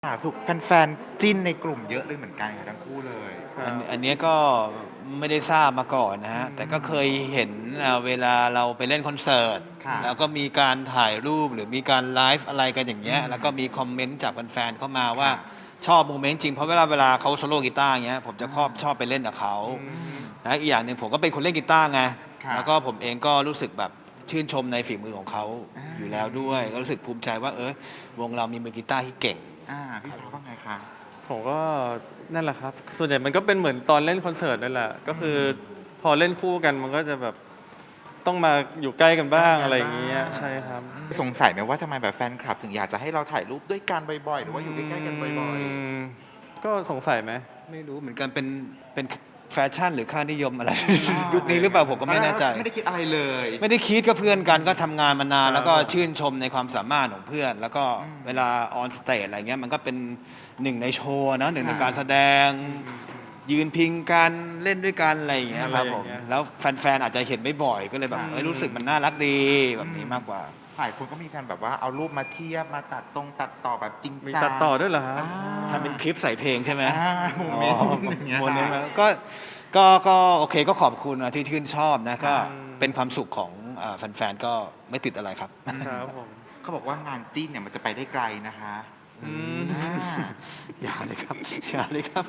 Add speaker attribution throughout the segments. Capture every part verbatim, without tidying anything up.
Speaker 1: ค่ะถูกแฟนๆจิ้นในกลุ่มเยอะเลยเหมือนกันค่ะทั้งคู่เลย
Speaker 2: อันอันเนี้ยก็ไม่ได้ทราบมาก่อนนะ
Speaker 1: อื
Speaker 2: ฮะ
Speaker 1: ม
Speaker 2: แต่ก็เคยเห็นอ่าเวลาเราไปเล่นคอนเสิร์ต
Speaker 1: ค่ะ
Speaker 2: แล้วก็มีการถ่ายรูปหรือมีการไลฟ์อะไรกันอย่างเงี้ย
Speaker 1: อืม
Speaker 2: แล้วก็มีคอมเมนต์จากแฟนๆเข้ามาว่า
Speaker 1: ค่ะ
Speaker 2: ชอบโมเมนต์จริงเพราะเวลาเวลาเขาโซโล่กีตาร์อย่างเงี้ยผมจะชอบ
Speaker 1: อ่า
Speaker 2: ชอบไปเล่นกับเขา
Speaker 1: อืม
Speaker 2: นะอีกอย่างหนึ่งผมก็เป็นคนเล่นกีตาร์ไง
Speaker 1: ค่ะ
Speaker 2: แล้วก็ผมเองก็รู้สึกแบบชื่นชมในฝีมือของเขา
Speaker 1: อา
Speaker 2: อยู่แล้วด้วยก็รู้สึกภูมิใจว่าเออวงเรามีมือกีตาร์ที่เก่ง
Speaker 1: อ่าพี่ฟ้าว่าไงคะ
Speaker 3: ผมก็นั่นแหละครับส่วนใหญ่มันก็เป็นเหมือนตอนเล่นคอนเสิร์ตนั่นแหละก็คือพอเล่นคู่กันมันก็จะแบบต้องมาอยู่ใกล้กันบ้างอะไรอย่างเงี้ยใช่ครับ
Speaker 1: สงสัยไหมว่าทำไมแบบแฟนคลับถึงอยากจะให้เราถ่ายรูปด้วยกันบ่อยๆหรือว่าอยู่ใกล้ๆกันบ่อย
Speaker 3: มก็สงสัยไหม
Speaker 2: ไม่รู้เหมือนกันเป็นเป็นแฟชั่นหรือค่านิยมอะไร
Speaker 1: ๆ
Speaker 2: ยุคนี้หรือเปล่าผมก็ไม่แน่ใจ
Speaker 1: ไม่ได้คิดอะไรเลย
Speaker 2: ไม่ได้คิดก็เพื่อนกันก็ทำงานมานาน
Speaker 3: ครับ
Speaker 2: แล้วก็ชื่นชมในความสามารถของเพื่อน แล้วก็
Speaker 1: อืม
Speaker 2: เวลาออนสเตจอะไรเงี้ยมันก็เป็นหนึ่งในโชว์นะหนึ่งใน
Speaker 1: ค่ะ
Speaker 2: การแสดง ยืนพิงกันเล่นด้วยกันอะไรอย่างเงี้ยครับผม
Speaker 3: อะไรอย่างเงี้ย
Speaker 2: แล้วแฟนๆอาจจะเห็นไม่บ่อยก็เลยแบบ
Speaker 1: ค่ะ
Speaker 2: เอ้ยรู้สึกมันน่ารักดีแบบนี้มากกว่า
Speaker 1: หลายคนก็มีการแบบว่าเอารูปมาเทียบมาตัดตรงตัดต่อแบบจริงจัง
Speaker 3: มีตัดต่อด้วยเหรอครับ
Speaker 1: อ่า
Speaker 2: ทำเป็นคลิปใส่เพลงใช่ไหม
Speaker 1: อ่าโมเมนต์
Speaker 2: อ๋อ
Speaker 1: อย่างเงี้ย
Speaker 2: โมเมนต์
Speaker 1: ค่ะ
Speaker 2: ก็ก็ก็โอเคก็ขอบคุณนะที่ชื่นชอบนะก็
Speaker 3: อืม
Speaker 2: เป็นความสุขของอ่าแฟนๆก็ไม่ติดอะไรครับ
Speaker 3: ครับผม
Speaker 1: เขาบอกว่างานจิ้นเนี่ยมันจะไปได้ไกลนะคะ
Speaker 3: อืม
Speaker 1: อ่า
Speaker 2: อย่าเลยครับอย่าเลยครับ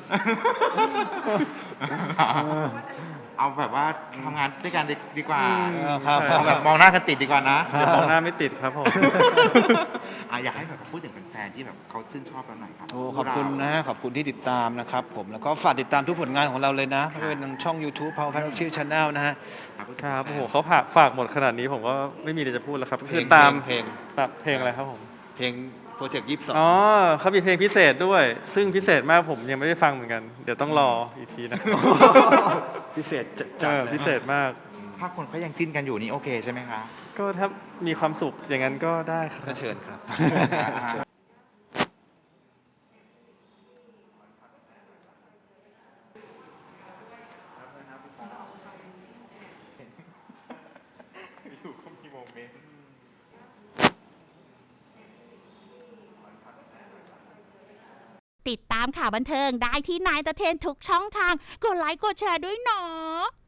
Speaker 1: เอาแบบว่าทำงานด้วยกันดีกว่า
Speaker 2: เออครับ
Speaker 1: เอาแบบมองหน้ากันติดดีกว่านะ
Speaker 3: เดี๋ยวมองหน้าไม่ติดครับผม
Speaker 1: อ่ะอยากให้แบบพูดถึงแฟนๆที่แบบเขาชื่นชอบเราหน่อยครับ
Speaker 2: โอ้ขอบคุณนะฮะขอบคุณที่ติดตามนะครับผมแล้วก็ฝากติดตามทุกผลงานของเราเลยนะไม่ว่าเป็นทางช่อง YouTube Power Fan Official Channel นะฮะ
Speaker 3: ครับโอ้โหเขาฝากฝากหมดขนาดนี้ผมก็ไม่มีอะไรจะพูดแล้วครับก็คือตาม
Speaker 2: เพลง
Speaker 3: ตามเพลงอะไรครับผม
Speaker 2: เพลงโปรเจกต์ยี่สิบสอง
Speaker 3: อ๋อเขามีเพลงพิเศษด้วย ซึ่งพิเศษมากผมยังไม่ได้ฟังเหมือนกัน เดี๋ยวต้องรออีกทีนะ
Speaker 2: พิเศษจัด
Speaker 3: เอ
Speaker 2: จัด
Speaker 3: อ
Speaker 2: เลย
Speaker 3: พิเศษมาก
Speaker 1: ถ้าคนเขายังจิ้นกันอยู่นี่โอเคใช่ไหมคะ
Speaker 3: ก็ถ้ามีความสุขอย่างนั้นก็ได้ครั
Speaker 2: ก็
Speaker 3: บ
Speaker 2: เชิญครับ
Speaker 1: อยู่ก็มีโมเมนต์
Speaker 4: ติดตามข่าวบันเทิงได้ที่นายตะเทนทุกช่องทาง กดไลค์กดแชร์ด้วยเนาะ